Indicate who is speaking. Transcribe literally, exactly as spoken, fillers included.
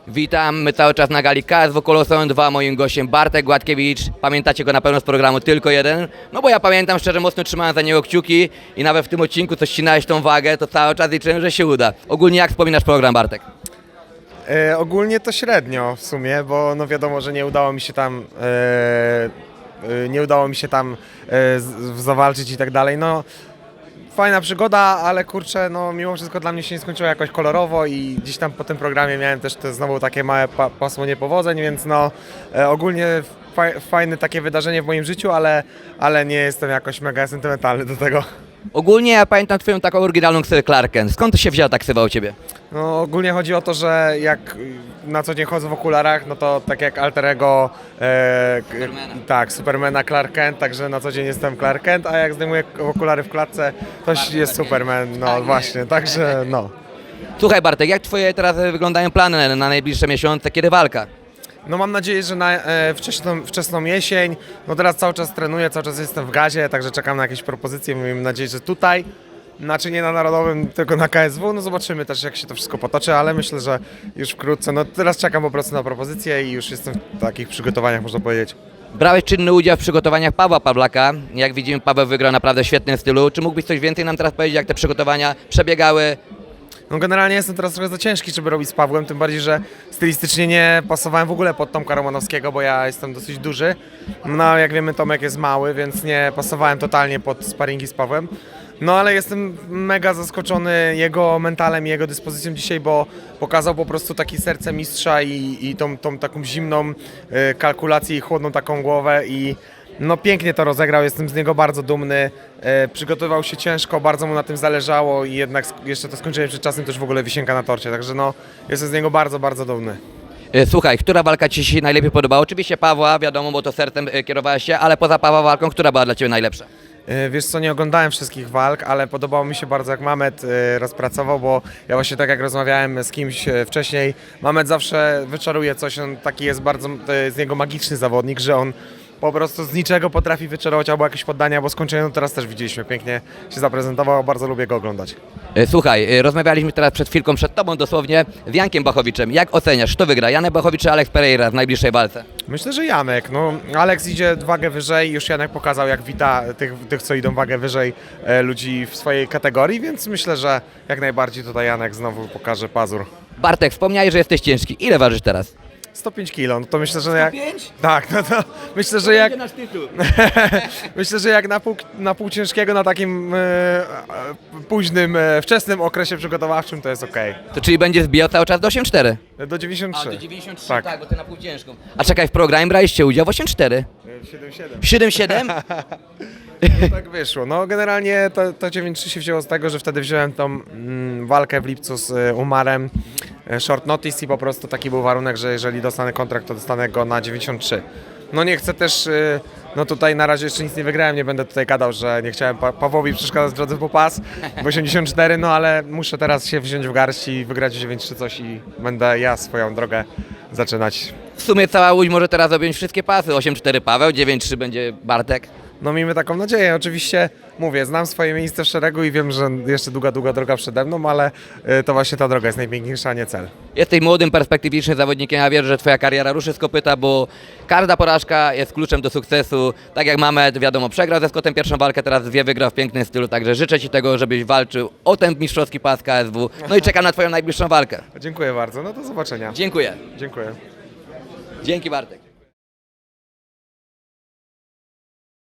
Speaker 1: Witam, my cały czas na gali K S W Koloseum dwa, moim gościem Bartek Gładkiewicz. Pamiętacie go na pewno z programu Tylko Jeden? No bo ja pamiętam, szczerze mocno trzymałem za niego kciuki i nawet w tym odcinku, co ścinałeś tą wagę, to cały czas liczyłem, że się uda. Ogólnie jak wspominasz program, Bartek?
Speaker 2: E, ogólnie to średnio w sumie, bo no wiadomo, że nie udało mi się tam e, e, nie udało mi się tam e, z, zawalczyć i tak dalej. No fajna przygoda, ale kurczę, no mimo wszystko dla mnie się nie skończyło jakoś kolorowo i gdzieś tam po tym programie miałem też te znowu takie małe pa, pasmo niepowodzeń, więc no e, ogólnie faj, fajne takie wydarzenie w moim życiu, ale, ale nie jestem jakoś mega sentymentalny do tego.
Speaker 1: Ogólnie ja pamiętam twoją taką oryginalną ksywę Clark Kent. Skąd to się wzięła ta ksywa u ciebie?
Speaker 2: No ogólnie chodzi o to, że jak na co dzień chodzę w okularach, no to tak jak alter ego e, k-
Speaker 1: Supermana.
Speaker 2: tak, Supermana Clark Kent, także na co dzień jestem Clark Kent, a jak zdejmuję okulary w klatce, to jest
Speaker 1: Clark
Speaker 2: Superman, no
Speaker 1: Tak
Speaker 2: właśnie,
Speaker 1: jest.
Speaker 2: także no.
Speaker 1: Słuchaj Bartek, jak twoje teraz wyglądają plany na najbliższe miesiące, kiedy walka?
Speaker 2: No mam nadzieję, że na e, wczesną, wczesną jesień, no teraz cały czas trenuję, cały czas jestem w gazie, także czekam na jakieś propozycje, mam nadzieję, że tutaj, znaczy nie na Narodowym, tylko na K S W, no zobaczymy też jak się to wszystko potoczy, ale myślę, że już wkrótce, no teraz czekam po prostu na propozycje i już jestem w takich przygotowaniach, można powiedzieć.
Speaker 1: Brałeś czynny udział w przygotowaniach Pawła Pawlaka. Jak widzimy, Paweł wygrał naprawdę w świetnym stylu. Czy mógłbyś coś więcej nam teraz powiedzieć, jak te przygotowania przebiegały?
Speaker 2: No generalnie jestem teraz trochę za ciężki, żeby robić z Pawłem, tym bardziej, że stylistycznie nie pasowałem w ogóle pod Tomka Romanowskiego, bo ja jestem dosyć duży. No jak wiemy, Tomek jest mały, więc nie pasowałem totalnie pod sparingi z Pawłem. No ale jestem mega zaskoczony jego mentalem i jego dyspozycją dzisiaj, bo pokazał po prostu takie serce mistrza i, i tą, tą taką zimną y, kalkulację i chłodną taką głowę i no pięknie to rozegrał, jestem z niego bardzo dumny. E, przygotowywał się ciężko, bardzo mu na tym zależało i jednak sk- jeszcze to skończenie przed czasem też w ogóle wisienka na torcie, także no jestem z niego bardzo, bardzo dumny.
Speaker 1: E, Słuchaj, która walka ci się najlepiej podobała? Oczywiście Pawła, wiadomo, bo to sercem e, kierowałeś się, ale poza Pawła walką, która była dla ciebie najlepsza?
Speaker 2: E, Wiesz co, nie oglądałem wszystkich walk, ale podobało mi się bardzo jak Mamet e, rozpracował, bo ja właśnie tak jak rozmawiałem z kimś e, wcześniej, Mamet zawsze wyczaruje coś, on taki jest bardzo, to jest z niego magiczny zawodnik, że on po prostu z niczego potrafi wyczarować albo jakieś poddania, albo skończenie, no teraz też widzieliśmy, pięknie się zaprezentował, bardzo lubię go oglądać.
Speaker 1: E, Słuchaj, e, rozmawialiśmy teraz przed chwilką, przed tobą dosłownie, z Jankiem Bachowiczem. Jak oceniasz, kto wygra, Janek Bachowicz czy Alex Pereira w najbliższej walce?
Speaker 2: Myślę, że Janek. No, Alex idzie wagę wyżej, już Janek pokazał jak wita tych, tych co idą wagę wyżej e, ludzi w swojej kategorii, więc myślę, że jak najbardziej tutaj Janek znowu pokaże pazur.
Speaker 1: Bartek, wspomniałeś, że jesteś ciężki. Ile ważysz teraz?
Speaker 2: sto pięć kilo, no to myślę, że jak... Tak, no to myślę, że jak... myślę, że jak na pół, na pół ciężkiego, na takim e, e, późnym, e, wczesnym okresie przygotowawczym to jest okej.
Speaker 1: To czyli będziesz zbijał cały czas do osiem cztery?
Speaker 2: Do dziewięćdziesiąt trzy.
Speaker 1: dziewięćdziesiąt trzy,
Speaker 2: Tak.
Speaker 1: tak, bo ty na pół ciężką. A czekaj, w programie braliście udział w osiem cztery.
Speaker 2: siedem siedem.
Speaker 1: siedem siedem?
Speaker 2: Tak wyszło. No generalnie to, to dziewięć trzy się wzięło z tego, że wtedy wziąłem tą mm, walkę w lipcu z y, Umarem, y, short notice i po prostu taki był warunek, że jeżeli dostanę kontrakt, to dostanę go na dziewięćdziesiąt trzy. No nie chcę też, y, no tutaj na razie jeszcze nic nie wygrałem, nie będę tutaj gadał, że nie chciałem pa Pawłowi przeszkadzać w drodze po pas w osiemdziesiąt cztery, no ale muszę teraz się wziąć w garść i wygrać dziewięć trzy coś i będę ja swoją drogę zaczynać.
Speaker 1: W sumie cała Łódź może teraz objąć wszystkie pasy. osiem cztery Paweł, dziewięć trzy będzie Bartek.
Speaker 2: No miejmy taką nadzieję. Oczywiście mówię, znam swoje miejsce w szeregu i wiem, że jeszcze długa, długa droga przede mną, ale y, to właśnie ta droga jest najpiękniejsza, a nie cel.
Speaker 1: Jesteś młodym, perspektywicznym zawodnikiem, ja wierzę, że twoja kariera ruszy z kopyta, bo każda porażka jest kluczem do sukcesu. Tak jak Mamet, wiadomo, przegrał ze Scottem pierwszą walkę, teraz dwie wygrał w pięknym stylu, także życzę ci tego, żebyś walczył o ten mistrzowski pas K S W. No i czekam na twoją najbliższą walkę.
Speaker 2: Dziękuję bardzo. No do zobaczenia.
Speaker 1: Dziękuję.
Speaker 2: Dziękuję.
Speaker 1: Dzięki Bartek.